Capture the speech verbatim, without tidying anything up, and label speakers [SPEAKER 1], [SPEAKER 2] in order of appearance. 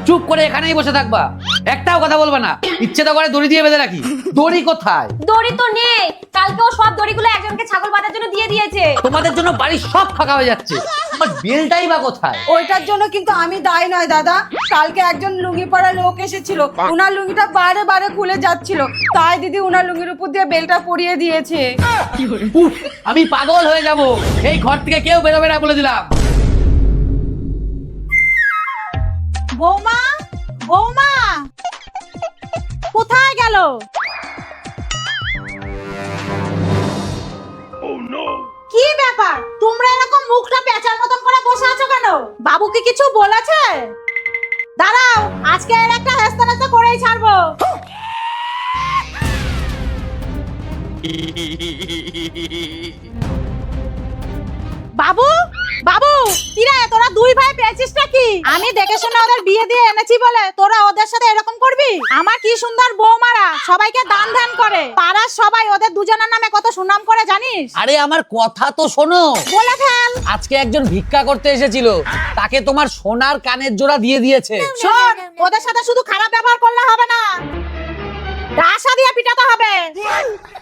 [SPEAKER 1] চুপ করে এখানেই বসে থাকবা, একটাও কথা বলবা না। ইচ্ছে তো করে দড়ি দিয়ে বেঁধে রাখি, দড়ি কোথায়?
[SPEAKER 2] দড়ি তো নেই, কালকে ও সব দড়িগুলো একজনকে ছাগল বাঁধার জন্য দিয়ে দিয়েছে।
[SPEAKER 1] তোমাদের জন্য বাড়ি সব ফাঁকা হয়ে যাচ্ছে, আমার বেলটাই বা কোথায়?
[SPEAKER 3] ওইটার জন্য কিন্তু আমি দায়ী নয় দাদা। কালকে একজন লুঙ্গি পরা লোক এসেছিল, উনার লুঙ্গিটা বারে বারে খুলে যাচ্ছিল, তাই দিদি উনার লুঙ্গির উপর দিয়ে বেলটা পরিয়ে দিয়েছে।
[SPEAKER 1] উফ, আমি পাগল হয়ে যাব, এই ঘর থেকে কেউ বেরোবে না বলে দিলাম।
[SPEAKER 3] বৌমা, বৌমা কোথায় গেল? কি ব্যাপার, তোমরা এরকম মুখটা পেঁচার মতন করে বসে আছো কেন? বাবুকে কিছু বলেছে? দাঁড়াও, আজকে এর একটা হেস্তা নেস্তা করেই ছাড়বো। বাবু, বাবু, কিরে তোরা দুই ভাই পেয়েছিস নাকি? আমি দেখে শুনে ওদের বিয়ে দিয়ে এনেছি বলে তোরা ওদের সাথে এরকম করবি? আমার কি সুন্দর বৌমারা সবাইকে দান ধ্যান করে, পাড়ার সবাই ওদের দুজনের নামে কত সুনাম করে জানিস?
[SPEAKER 1] আরে আমার কথা তো শোনো।
[SPEAKER 3] বলে ফেল।
[SPEAKER 1] আজকে একজন ভিক্ষা করতে এসেছিল, তাকে তোমার সোনার কানের জোড়া দিয়ে দিয়েছে।
[SPEAKER 3] শোন, ওদের সাথে শুধু খারাপ ব্যবহার করলে হবে না, ডাসা দিয়ে পিটাতে হবে।